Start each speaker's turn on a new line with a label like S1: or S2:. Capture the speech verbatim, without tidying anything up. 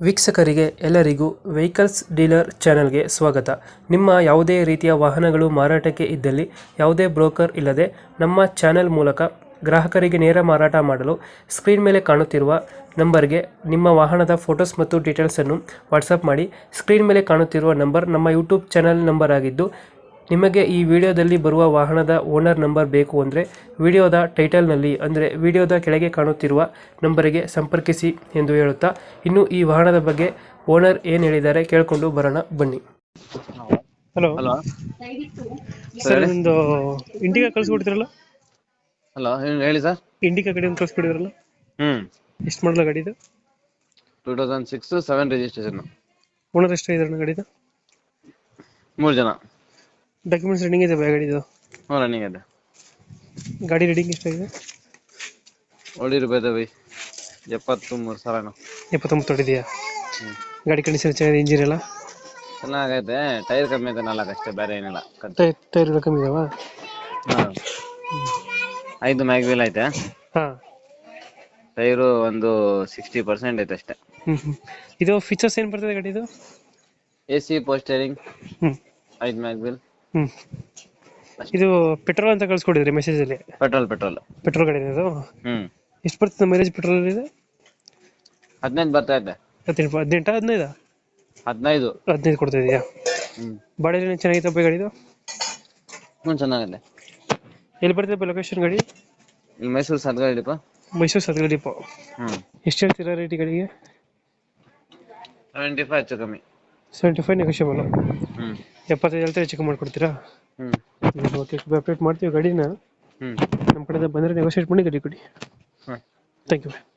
S1: ವೀಕ್ಷಕರಿಗೆ ಎಲ್ಲರಿಗೂ vehicles dealer ಚಾನೆಲ್ಗೆ ಸ್ವಾಗತ. ನಿಮ್ಮ ಯಾವುದೇ ರೀತಿಯ ವಾಹನಗಳು ಮಾರಾಟಕ್ಕೆ ಇದ್ದಲ್ಲಿ ಯಾವುದೇ ಬ್ರೋಕರ್ ಇಲ್ಲದೆ ನಮ್ಮ ಚಾನೆಲ್ ಮೂಲಕ ಗ್ರಾಹಕರಿಗೆ ನೇರ ಮಾರಾಟ ಮಾಡಲು ಸ್ಕ್ರೀನ್ ಮೇಲೆ ಕಾಣುತ್ತಿರುವ ನಂಬರ್ಗೆ ನಿಮ್ಮ ವಾಹನದ ಫೋಟೋಸ್ ಮತ್ತು ಡೀಟೇಲ್ಸನ್ನು ವಾಟ್ಸಪ್ ಮಾಡಿ. ಸ್ಕ್ರೀನ್ ಮೇಲೆ ಕಾಣುತ್ತಿರುವ ನಂಬರ್ ನಮ್ಮ ಯೂಟ್ಯೂಬ್ ಚಾನೆಲ್ ನಂಬರ್ ಆಗಿದ್ದು, ನಿಮಗೆ ಈ ವಿಡಿಯೋದಲ್ಲಿ ಬರುವ ವಾಹನದ ಓನರ್ ನಂಬರ್ ಬೇಕು ಅಂದರೆ ವಿಡಿಯೋದ ಟೈಟಲ್ನಲ್ಲಿ ಅಂದರೆ ವಿಡಿಯೋದ ಕೆಳಗೆ ಕಾಣುತ್ತಿರುವ ನಂಬರಿಗೆ ಸಂಪರ್ಕಿಸಿ ಎಂದು ಹೇಳುತ್ತಾ, ಇನ್ನು ಈ ವಾಹನದ ಬಗ್ಗೆ ಓನರ್ ಏನು ಹೇಳಿದ್ದಾರೆ ಕೇಳಿಕೊಂಡು ಬರೋಣ ಬನ್ನಿ. ಹಲೋ
S2: ಹಲೋ
S1: ಸರ್, ಒಂದು ಇಂಡಿಕಾ ಕಳಿಸ್ಕೊಡ್ತಿರಲ್ಲ?
S2: ಹಲೋ ಹೇಳಿ ಸರ್.
S1: ಇಂಡಿಕಾ ಗಾಡಿ ಒಂದು ಕಳಿಸ್ಕೊಡಿದ್ರಲ್ಲ,
S2: ಹ್ಮ್
S1: ಎಷ್ಟು ಮಾಡಲ ಗಾಡಿ ಇದು?
S2: Two thousand six seven registration.
S1: Owner ಎಷ್ಟು ಇದ್ದಾರೆ ಗಾಡಿದು?
S2: ಮೂರು ಜನ.
S1: ಡಾಕ್ಯುಮೆಂಟ್ಸ್ ರನ್ನಿಂಗ್ ಇದೆ ಗಾಡಿದು?
S2: ಹ್ಞೂ ರನ್ನಿಂಗ್ ಇದೆ.
S1: ಗಾಡಿ ರೆಡಿಂಗ್ ಎಷ್ಟಾಗಿದೆ?
S2: ಒಳ್ಳೆ ರೂಪಾಯಿ ಬೈ ಎಪ್ಪತ್ತು ಮೂರು ಸಾವಿರ.
S1: ಎಪ್ಪತ್ತೊಂಬತ್ತು ಹೊಡಿದೆಯಾ? ಗಾಡಿ ಕಂಡೀಷನ್ ಚೆನ್ನಾಗಿದೆ, ಇಂಜಿನ್ ಎಲ್ಲ
S2: ಚೆನ್ನಾಗೈತೆ. ಟೈರ್ ಕಮ್ಮಿ ಐತೆ ನಾಲ್ಕು ಅಷ್ಟೇ, ಬೇರೆ ಏನಿಲ್ಲ.
S1: ಟೈರ್ ಕಮ್ಮಿ ಇದಾವ?
S2: ಹಾಂ, ಐದು ಮ್ಯಾಗ್ ವೀಲ್ ಐತೆ.
S1: ಹಾಂ,
S2: ಟೈರು ಒಂದು ಸಿಕ್ಸ್ಟಿ ಪರ್ಸೆಂಟ್ ಐತೆ ಅಷ್ಟೇ.
S1: ಹ್ಞೂ ಹ್ಞೂ ಇದು ಫೀಚರ್ಸ್ ಏನು ಬರ್ತದೆ ಗಾಡಿದು?
S2: ಎ ಸಿ ಪೋಸ್ಟರಿಂಗ್,
S1: ಹ್ಞೂ
S2: ಐದು ಮ್ಯಾಗ್ ವೀಲ್.
S1: ಹ್ಞೂ ಇದು ಪೆಟ್ರೋಲ್ ಅಂತ ಕಳ್ಸ್ಕೊಡಿದ್ರಿ ಮೆಸೇಜಲ್ಲಿ?
S2: ಪೆಟ್ರೋಲ್ ಪೆಟ್ರೋಲ್
S1: ಪೆಟ್ರೋಲ್ ಗಾಡಿ ಇದು?
S2: ಹ್ಮ್
S1: ಎಷ್ಟು ಬರ್ತದೆ ಮೈಲೇಜ್ ಪೆಟ್ರೋಲ್ ಇದೆ?
S2: ಹದಿನೈದು ಬರ್ತಾ ಇದೆ.
S1: ಹದಿನೆಂಟು ಹದಿನೆಂಟು ಹದಿನೈದು
S2: ಹದಿನೈದು
S1: ಹದಿನೈದು ಕೊಡ್ತಾ ಇದೆಯಾ?
S2: ಹ್ಮ್
S1: ಬಾಡಿಯಲ್ಲಿ ಚೆನ್ನಾಗಿತ್ತು ಗಾಡಿದು?
S2: ಹ್ಞೂ ಚೆನ್ನಾಗಿದೆ.
S1: ಎಲ್ಲಿ ಬರ್ತದೆ ಲೊಕೇಶನ್ ಗಾಡಿ?
S2: ಇಲ್ಲಿ ಮೈಸೂರು ಸದ್ಗಾಡಿ ಡಿಪೋ.
S1: ಮೈಸೂರು ಸದ್ಗಡಿ ಡಿಪೋ.
S2: ಹ್ಮ್
S1: ಎಷ್ಟು ಹೇಳ್ತೀರಾ ರೇಟ್ ಗಾಡಿಗೆ?
S2: ಸೆವೆಂಟಿ ಫೈವ್ ಹೆಚ್ಚು ಕಮ್ಮಿ.
S1: Seventy five negotiable.
S2: ಹ್ಮ್
S1: ಎಪ್ಪತ್ತೈದು ಹೇಳ್ತಾರೆ, ಚೆಕ್ ಮಾಡ್ಕೊಡ್ತೀರಾ?
S2: ಹ್ಮ್
S1: ಓಕೆ, ಅಪ್ಡೇಟ್ ಮಾಡ್ತೀವಿ ಗಾಡಿನ.
S2: ಹ್ಮ್
S1: ನಮ್ಮ ಕಡೆಯಿಂದ ಬಂದರೆ ನೆಗೋಷಿಯೇಟ್ ಮಾಡಿ ಗಾಡಿ ಕೊಡಿ.
S2: ಹ್ಮ್
S1: ಥ್ಯಾಂಕ್ ಯು.